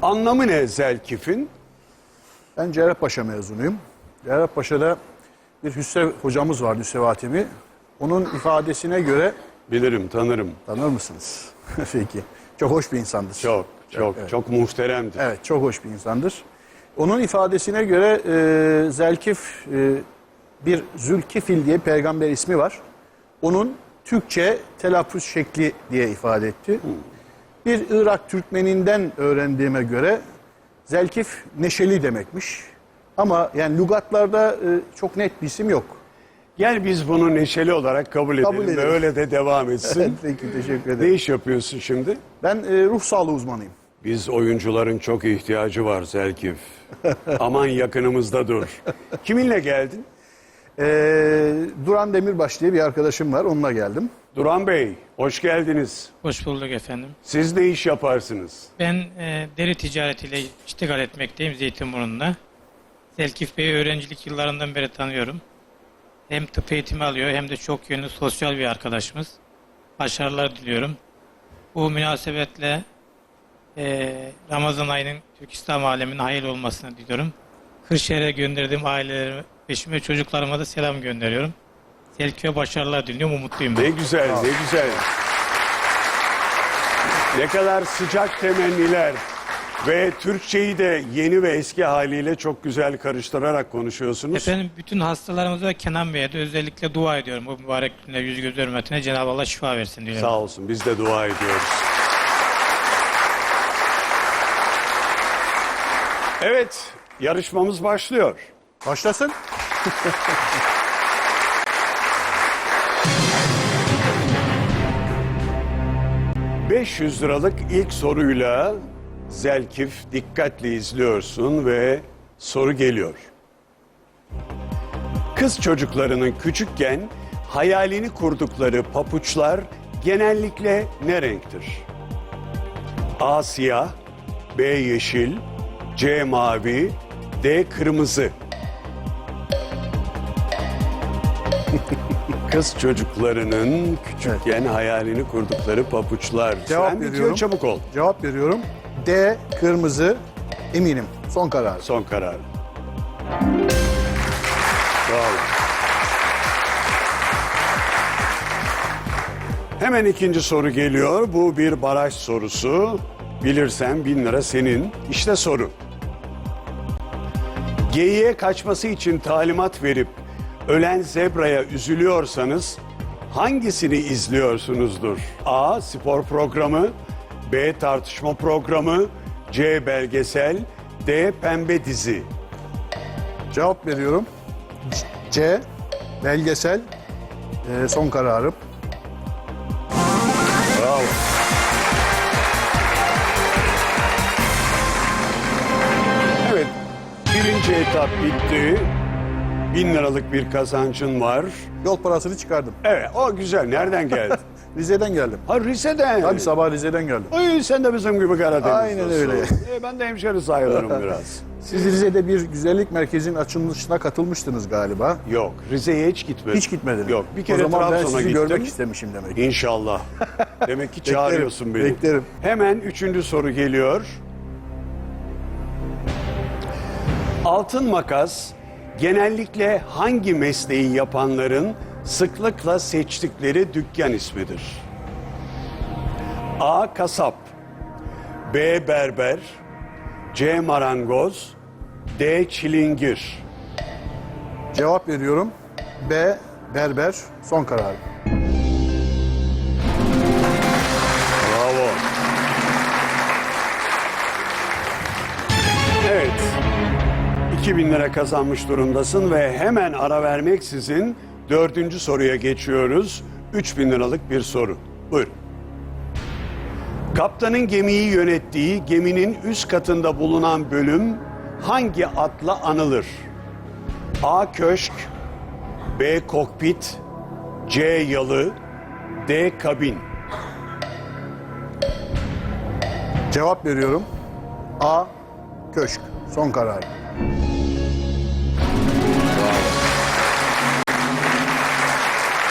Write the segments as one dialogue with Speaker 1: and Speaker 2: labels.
Speaker 1: Anlamı ne Zelkif'in?
Speaker 2: Ben Cerrahpaşa mezunuyum. Cerrahpaşa'da bir Hüsrev hocamız vardı, Hüsrev Hatemi. Onun ifadesine göre...
Speaker 1: Bilirim, tanırım.
Speaker 2: Tanır mısınız? Peki. Çok hoş bir insandır.
Speaker 1: Çok muhteremdir.
Speaker 2: Evet, çok hoş bir insandır. Onun ifadesine göre Zelkif bir Zülkifil diye peygamber ismi var. Onun Türkçe telaffuz şekli diye ifade etti. Bir Irak Türkmeninden öğrendiğime göre Zelkif neşeli demekmiş. Ama yani lügatlarda çok net bir isim yok.
Speaker 1: Gel biz bunu neşeli olarak kabul edelim ve öyle de devam etsin.
Speaker 2: Evet, peki, teşekkür ederim.
Speaker 1: Ne iş yapıyorsun şimdi?
Speaker 2: Ben ruh sağlığı uzmanıyım.
Speaker 1: Biz oyuncuların çok ihtiyacı var Zelkif. Aman yakınımızda dur. Kiminle geldin?
Speaker 2: Duran Demirbaş diye bir arkadaşım var, onunla geldim.
Speaker 1: Duran Bey, hoş geldiniz.
Speaker 3: Hoş bulduk efendim.
Speaker 1: Siz ne iş yaparsınız?
Speaker 3: Ben deri ticaretiyle iştigal etmekteyim Zeytinburnu'nda. Zelkif Bey'i öğrencilik yıllarından beri tanıyorum. Hem tıp eğitimi alıyor hem de çok yönlü sosyal bir arkadaşımız. Başarılar diliyorum. Bu münasebetle Ramazan ayının Türk İslam aleminin hayırlı olmasını diliyorum. Kırşehir'e gönderdiğim ailelerime, eşime, çocuklarıma da selam gönderiyorum. Zelkif'e başarılar diliyorum, umutluyum.
Speaker 1: Ne güzel, ne güzel. Ne kadar sıcak temenniler ve Türkçeyi de yeni ve eski haliyle çok güzel karıştırarak konuşuyorsunuz.
Speaker 3: Efendim bütün hastalarımıza ve Kenan Bey'e de özellikle dua ediyorum. Bu mübarek günde yüz göz hürmetine Cenab-ı Allah şifa versin diyorum.
Speaker 1: Sağ olsun, biz de dua ediyoruz. Evet, yarışmamız başlıyor.
Speaker 2: Başlasın.
Speaker 1: ...500 liralık ilk soruyla Zelkif dikkatli izliyorsun ve soru geliyor. Kız çocuklarının küçükken hayalini kurdukları papuçlar genellikle ne renktir? A. Siyah, B. Yeşil, C. Mavi, D. Kırmızı. Kız çocuklarının küçükken hayalini kurdukları papuçlar.
Speaker 2: Cevap
Speaker 1: Sen bitiyor,
Speaker 2: veriyorum.
Speaker 1: çabuk ol.
Speaker 2: Cevap veriyorum. D, kırmızı, eminim. Son karar.
Speaker 1: Son karar. Bravo. Hemen ikinci soru geliyor. Bu bir baraj sorusu. Bilirsen 1000 lira senin. İşte soru. Geyiğe kaçması için talimat verip ölen zebraya üzülüyorsanız hangisini izliyorsunuzdur? A. Spor programı, B. Tartışma programı, C. Belgesel, D. Pembe dizi.
Speaker 2: Cevap veriyorum. C, belgesel, son kararım.
Speaker 1: Bravo. Evet, birinci etap bitti. 1000 liralık bir kazancın var.
Speaker 2: Yol parasını çıkardım.
Speaker 1: Evet, o güzel. Nereden geldin?
Speaker 2: Rize'den geldim.
Speaker 1: Ha, Rize'den.
Speaker 2: Tabii sabah Rize'den geldim.
Speaker 1: Ay, sen de bizim gibi Karadeniz'desin.
Speaker 2: Aynen öyle.
Speaker 1: Ben de hemşeri sayılırım biraz.
Speaker 2: Siz Rize'de bir güzellik merkezinin açılışına katılmıştınız galiba.
Speaker 1: Yok, Rize'ye hiç gitmedim.
Speaker 2: Hiç gitmediniz.
Speaker 1: Yok, bir kere
Speaker 2: o zaman ben
Speaker 1: Trabzon'a
Speaker 2: sizi
Speaker 1: gittim.
Speaker 2: görmek istemişim demek.
Speaker 1: İnşallah. Demek ki çağırıyorsun beni.
Speaker 2: beklerim.
Speaker 1: Hemen üçüncü soru geliyor. Altın makas genellikle hangi mesleği yapanların sıklıkla seçtikleri dükkan ismidir? A. Kasap, B. Berber, C. Marangoz, D. Çilingir.
Speaker 2: Cevap veriyorum. B, berber, son kararım.
Speaker 1: Bravo. Evet. 2000 lira kazanmış durumdasın ve hemen ara vermeksizin dördüncü soruya geçiyoruz. 3000 liralık bir soru. Buyurun. Kaptanın gemiyi yönettiği geminin üst katında bulunan bölüm hangi adla anılır? A. Köşk, B. Kokpit, C. Yalı, D. Kabin.
Speaker 2: Cevap veriyorum. A, köşk, son kararım.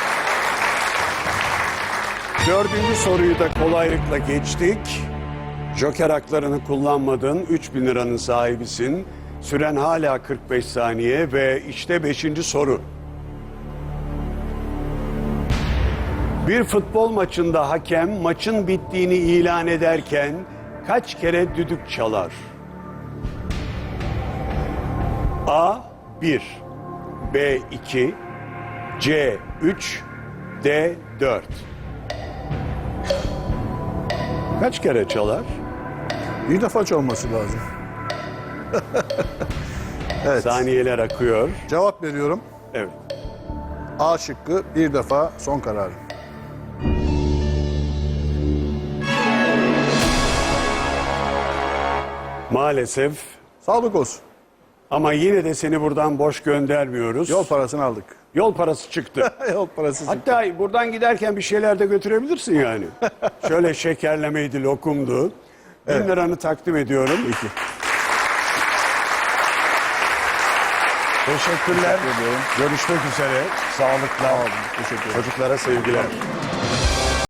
Speaker 1: Dördüncü soruyu da kolaylıkla geçtik. Joker haklarını kullanmadın. 3.000 liranın sahibisin. Süren hala 45 saniye ve işte 5. soru. Bir futbol maçında hakem maçın bittiğini ilan ederken kaç kere düdük çalar? A 1, B 2, C 3, D 4. Kaç kere çalar?
Speaker 2: Bir defa çalması lazım. Evet.
Speaker 1: Saniyeler akıyor.
Speaker 2: Cevap veriyorum.
Speaker 1: Evet.
Speaker 2: A şıkkı bir defa son kararım.
Speaker 1: Maalesef
Speaker 2: Sağlık olsun.
Speaker 1: ama yine de seni buradan boş göndermiyoruz.
Speaker 2: Yol parasını aldık.
Speaker 1: Yol parası çıktı.
Speaker 2: Yol parası.
Speaker 1: Hatta buradan giderken bir şeyler de götürebilirsin yani. Şöyle şekerlemeydi, lokumdu. 1000 liranı takdim ediyorum.
Speaker 2: Peki.
Speaker 1: Teşekkürler.
Speaker 2: Teşekkür ediyorum.
Speaker 1: Görüşmek üzere. Sağlıklar.
Speaker 2: Sağ olun. Teşekkür ederim.
Speaker 1: Çocuklara sevgiler.